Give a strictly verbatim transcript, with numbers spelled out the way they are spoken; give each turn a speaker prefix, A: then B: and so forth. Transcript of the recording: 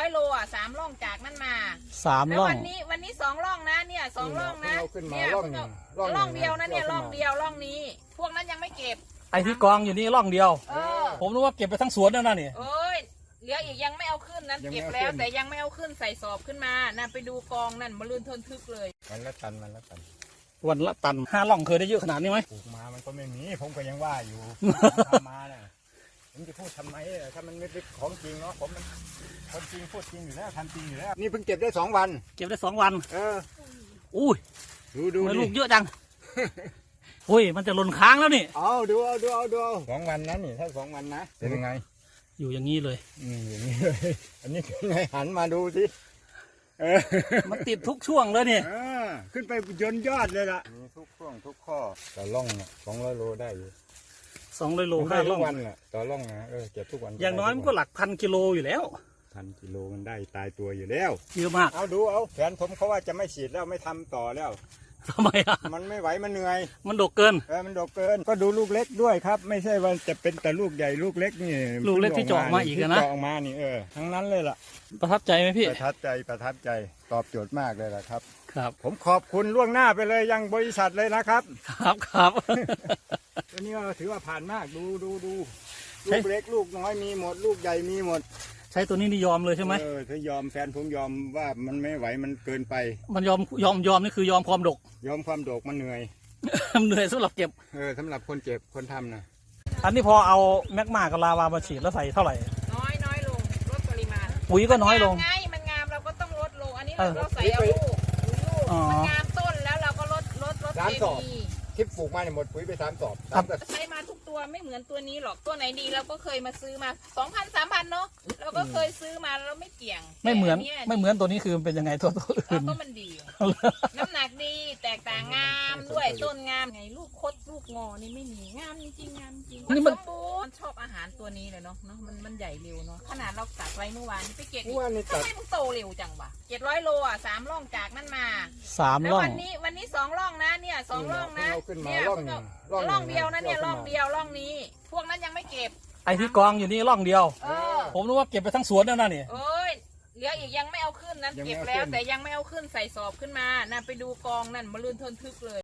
A: อยโลอ่ะสามร่องจากนั่นมา
B: สามร่อง
A: วันนี้วันนี้สองร่องนะเนี่ยสองร่องนะเนี่ยร่องร่องเดียวนะเนี่ยร่องเดียวร่องนี้ พวกนั้นยังไม่เก็บ
B: ไอ้ที่กองอยู่นี่ร่องเดียว
A: เออ
B: ผมรู้ว่าเก็บไปทั้งสวนแล้วนะนี่
A: เอ้ยเหลืออีกยังไม่เอาขึ้นนั้นเก็บแล้วแต่ยังไม่เอาขึ้นใส่สอบขึ้นมานั่นไปดูกองนั่นมาลื่นทนทึกเลย
C: วันละตันวันละตัน
B: วันละตันห้าร่องเคยได้เยอะขนาดนี้ไหม
C: ปลูกมามันก็ไม่มีผมก็ยังว่าอยู่ทำมาเนี่ยผมจะพูดทำไมถ้ามันไม่เป็นของจริงเนาะผมมันคนจริงพูดจริงอยู่แล้วทำจริงอยู่แล้วนี่เพิ่งเก็บได้สองวัน
B: เก็บได้สองวัน
C: เออ
B: อุ้ย
C: ดูดู
B: ลูกเยอะจังอุ้ยมันจะหล่นค้างแล้วนี่
C: เอาดูเอาดูเอาดูสองวันนั้นนี่ถ้าสองวันนะเป็นยังไง
B: อยู่อย่างนี้เลย
C: อืมอย่างนี้เลยอันนี้เป็นไงหันมาดูสิเออ
B: มันติดทุกช่วงเลยนี่
C: ขึ้นไปยนยอดเลยล่ะมีทุกช่วงทุกข้อต่อร่องสองร้อยโลได้อยู่
B: สองร้อยโลห้าร่อง
C: วันอ่ะต่อร่องนะเออเก็บทุกวัน
B: อย่างน้อยมันก็หลักพันกิโลอยู่แล้ว
C: พันกิโลมันได้ตายตัวอยู่แล้ว
B: เยอะมาก
C: เอาดูเอาแฟนผมเขาว่าจะไม่ฉีดแล้วไม่ทำต่อแล้ว
B: ทำไมอ่ะ
C: มันไม่ไหวมันเหนื่อย
B: มันดกเกิน
C: เออมันดกเกินก็ดูลูกเล็กด้วยครับไม่ใช่ว่าจะเป็นแต่ลูกใหญ่ลูกเล็กนี่
B: ลูกเล็กที่เจาะมาอีกนะ
C: เจาะมานี่เออทั้งนั้นเลยล่ะ
B: ประทับใจไหมพี่
C: ประทับใจประทับใจตอบโจทย์มากเลยล่ะครับ
B: ครับ
C: ผมขอบคุณล่วงหน้าไปเลยยังบริษัทเลยนะครับ
B: ครับครับ
C: ตัวนี้ก็ถือว่าผ่านมากดูดูดูลูกเล็กลูกน้อยมีหมดลูกใหญ่มีหมด
B: ใช้ตัวนี้นี่ยอมเลยใช่ไหม
C: เออถ้ายอมแฟนผมยอมว่ามันไม่ไหวมันเกินไป
B: มันยอมยอมยอมนี่คือยอมความดก
C: ยอมความดกมันเหนื่อย
B: เหนื่อยสำหรับเก็บ
C: เออสำหรับคนเจ็บคนทำนะ
B: อันนี้พอเอาแมกมากับลาวามาฉีดแล้วใส่เท่าไหร่
A: น้อยน้อยลงลดปริมาณ
B: ปุ๋ยก็น้อยลง
A: ไงมันงามเราก็ต้องลดลงอันนี้เราใส่เอาลูกลูกมันงามต้นแล้วเราก็ลดลดลดเคมี
C: ที่ปลูกมาเนี่ยหมดปุ๋ยไปสามสอบ
A: ใช้มาทุกตัวไม่เหมือนตัวนี้หรอกตัวไหนดีเราก็เคยมาซื้อมาสองพันสามพันเนาะเราก็เคยซื้อมาแล้วไม่เกี่ยง
B: ไม่เหมือนไม่เหมือนตัวนี้คือมันเป็นยังไงตัวตัวอื่น
A: ก็มันดีน้ำหนักดีแตกต่างงามด้วยต้นงามไงลูกคดลูกงอนี่ไม่มีงามจริงงามจริงนี่มันมันชอบอาหารตัวนี้เลยเนาะเนาะมันมันใหญ่เร็วเนาะขนาดเราตัดไว้เมื่อวานไปเก็บทำไมมันโตเร็วจังวะเจ็ดร้อยโลอ่ะสามร่องจากนั่นมา
B: สามร่อง
A: วันนี้วันนี้สองร่องนะเนี่ยสองร่องนะเนี่ยร่องเดียวนะเนี่ยร่องเดียวร่องนี้ พวกนั้นยังไม่เก็บ
B: ไอ้ที่กองอยู่นี่ร่องเดียวผมรู้ว่าเก็บไปทั้งสวนแล้วนะนี่
A: เอ้ยเหลืออีกยังไม่เอาขึ้นนั้นเก็บแล้วแต่ยังไม่เอาขึ้นใส่สอบขึ้นมานั่นไปดูกองนั่นมาลื่นทนทึกเลย